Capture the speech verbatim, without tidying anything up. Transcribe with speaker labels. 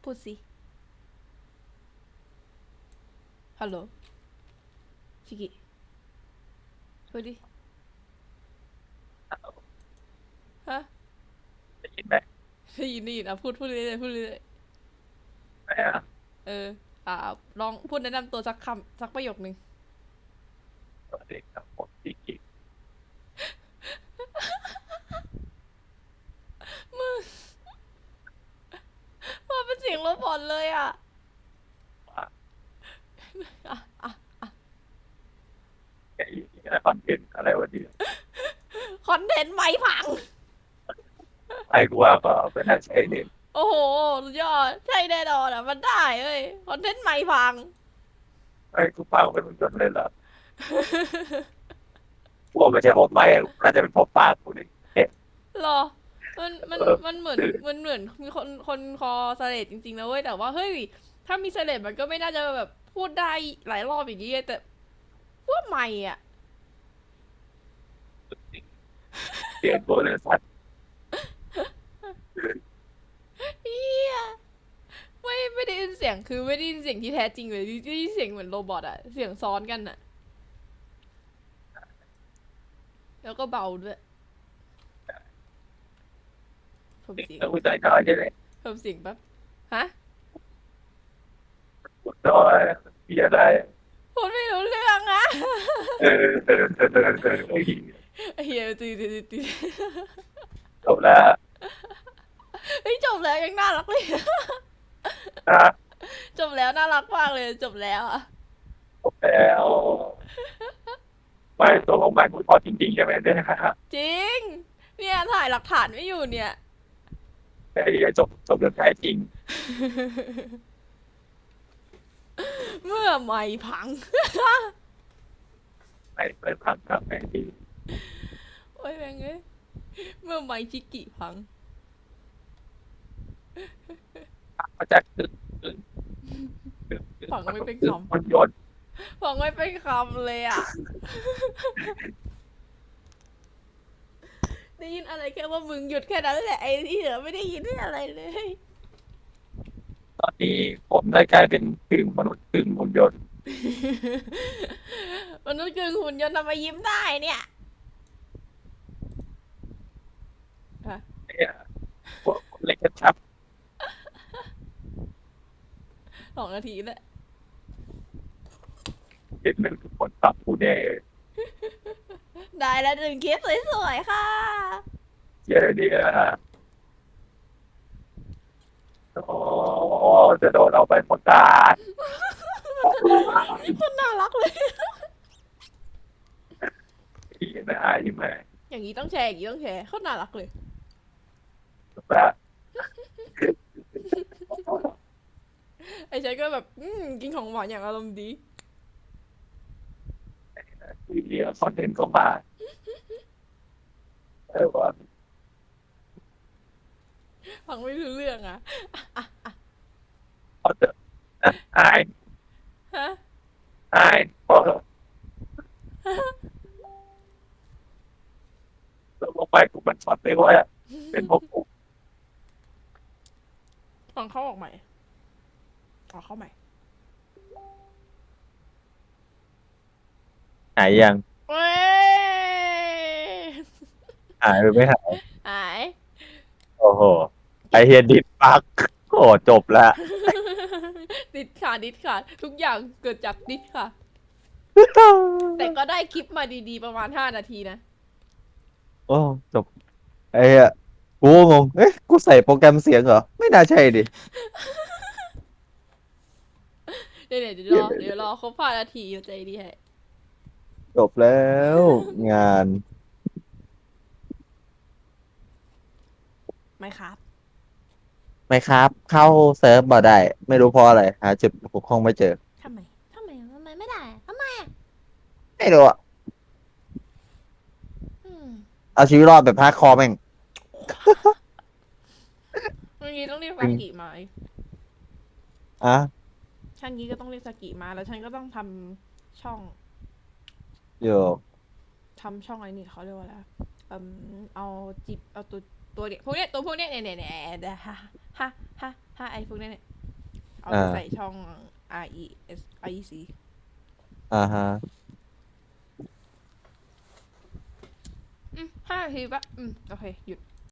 Speaker 1: พูดสิฮัลโหลชิกิพูดดิฮะ
Speaker 2: ได้ยินไหม
Speaker 1: ได้ยินได้ยินอ่ะพูดพูดเรื่อยๆพูดเรื่อย
Speaker 2: ไหมอ่ะ
Speaker 1: ๆเอออ่าลองพูดแนะนำตัวสักคำสักประโยคนึง
Speaker 2: สวัสดีครับผมพี่กิ๊ก
Speaker 1: ว่าเป็นเสียงโรบอทเลยอ่ะ
Speaker 2: ว่า
Speaker 1: อ่ะอ่ะ
Speaker 2: ไอ้อะไรคอนเทนต์อะไรวันนี้
Speaker 1: คอนเทนต์ไม่พัง
Speaker 2: ไอ้กูว่าก็เป็นนักใช้เน็ต
Speaker 1: โอ้โหสุดยอดใช่แน่นอนอ่ะมันได้เอ้ยคอนเทนต์ไม่พัง
Speaker 2: ไอ้กูฟังเป็นจนเลยล่ะกูว่าไม่ใช่ผมไม่น่าจะเป็นผมปากกูนี่เอ๊ะ
Speaker 1: หรอมันมัน
Speaker 2: เออ
Speaker 1: มันเหมือน
Speaker 2: คือ
Speaker 1: มันเหมือนมีคนคนคอเสลดจริงๆนะเว้ยแต่ว่าเฮ้ยถ้ามีเสลดมันก็ไม่น่าจะแบบพูดได้หลายรอบอย่างนี้ไงแต่ว่าไม่อ่ะ
Speaker 2: เสียงตัวเลยสัตว์
Speaker 1: เฮียไม่ไม่ได้ยินเสียงคือไม่ได้ยินเสียงที่แท้จริงเลยได้ยินเสียงเหมือนโรบอทอะเสียงซ้อนกันอะแล้วก็เบาด้วยเพิ่ม
Speaker 2: เสียง
Speaker 1: เสียง
Speaker 2: ตัวใจน้อยใช่ไหม
Speaker 1: เพิ่มเสียงแป๊บฮะ
Speaker 2: กูน้อยมีอะไร
Speaker 1: พูดไม่รู้เรื่องอะ
Speaker 2: เออเออเออเออเออเออ
Speaker 1: เฮียตีตีตีตี
Speaker 2: จบแล้ว
Speaker 1: เฮ้ยจบแล้วยังน่ารักเลย
Speaker 2: นะ
Speaker 1: จบแล้วน่ารักมากเลยจบแล้วอะ
Speaker 2: จบแล้วไม่ตัวของมันกูพอจริงๆใช่ไหมเนี่ยนะครับ
Speaker 1: จริงเนี่ยถ่ายหลักฐานไม่อยู่เนี่ย
Speaker 2: ไอ้จบจบเรื่องแท้จริง
Speaker 1: เมื่อไม่พัง
Speaker 2: ไม่เปิดพังครับไอ้ที่
Speaker 1: โอ้ยแม่งเอ้ยเมื่อไม่ชิกิพัง
Speaker 2: มาจากตึกตึกตึกตึก
Speaker 1: ฟังไม่เป็นค
Speaker 2: ตึกมันยนต์
Speaker 1: ำฟังไม่เป็นคำเลยอ่ะได้ยินอะไรแค่ว่ามึงหยุดแค่นั้นแหละไอ้ที่เหลือไม่ได้ยินอะไรเลย
Speaker 2: ตอนนี้ผมได้กลายเป็นกึ่งมนุษย์กึ่งหุ่นยนต์
Speaker 1: มนุษย์กึ่งหุ่นยนต์ทำไมยิ้มได้เนี่ยฮะ
Speaker 2: เนี่ยพวกเล็กกระชับ
Speaker 1: สองนาทีแล้ว
Speaker 2: เห็นหนึ่งทุกคนปรับผู้แน่
Speaker 1: ได้แล้วหนึ่งคลิปสวยๆค่ะ
Speaker 2: เยอะดีนะโอ้จะโดนเอาไปหมดตา
Speaker 1: คนน่ารักเลย
Speaker 2: อีนะอีแม่
Speaker 1: อย่างนี้ต้องแชร์อย่างนี้ต้องแชร์เขาน่ารักเลย
Speaker 2: แบบ
Speaker 1: ไอ้ฉันก็แบบอืมกินของหวานอย่างอารมณ์ดี
Speaker 2: วีเดีโอคอนเทนต์ก็มาเออว่า
Speaker 1: ฟังไม่รู้เรื่องอ่ะ
Speaker 2: เขาจะอาย
Speaker 1: ฮะ
Speaker 2: อายพอเราลงไปกูมันช็อตไปว่าเป็นพวกกู
Speaker 1: ฟังเขาออกใหม่เอาเข้าใหม่
Speaker 3: หายยัง
Speaker 1: เว้ย
Speaker 3: หายหรือไม่หาย
Speaker 1: หาย
Speaker 3: โอ้โหไอเฮียดิดปักโอ้จบละ
Speaker 1: ดิดค่ะดิดค่ะทุกอย่างเกิดจากดิดค่ะแต่ก็ได้คลิปมาดีๆประมาณห้านาทีนะ
Speaker 3: โอ้จบไอ้เหี้ยกูงงเอ๊ะกูใส่โปรแกรมเสียงเหรอไม่น่าใช่ดิ
Speaker 1: เดี๋ยวเดี๋ยวรอเดี๋ยวรอครบห้านาทีใจดีให้
Speaker 3: จบแล้วงาน
Speaker 1: ไม่ครับ
Speaker 3: ไม่ครับเข้าเซิร์ฟบ่ได้ไม่รู้เพราะอะไรหาจุดปกห้องไม่เจอ
Speaker 1: ทำไมทำไมทำไมไม่ได้ทำไมอ่ะ
Speaker 3: ไม่รู้อะ
Speaker 1: อืม
Speaker 3: เอาชีวิตรอดแบบฮาร์ดคอร์แม่ง
Speaker 1: เมื่อกี้ต้องเรียก
Speaker 3: จริง
Speaker 1: ซากิมา
Speaker 3: อ่ะ
Speaker 1: ช่างนี้ก็ต้องเรียกซากิมาแล้วฉันก็ต้องทำช่อง
Speaker 3: โย
Speaker 1: ทำช่องอะไรนี่เขาเรียกว่าอะไรเอ่มเอาจิบเอาตัวตัวเนี้ยพวกเนี้ยตัวพวกเนี้ยเนี่ยเนี่ยเนี่ยเดี๋ยวฮะฮะฮะฮะไอพวกเนี้ยเนี่ยเอาไป
Speaker 3: อ่า
Speaker 1: ใส่ช่อง R E S R E C
Speaker 3: อ่าฮะ
Speaker 1: อืมห้านาทีปะอืม โอเค หยุด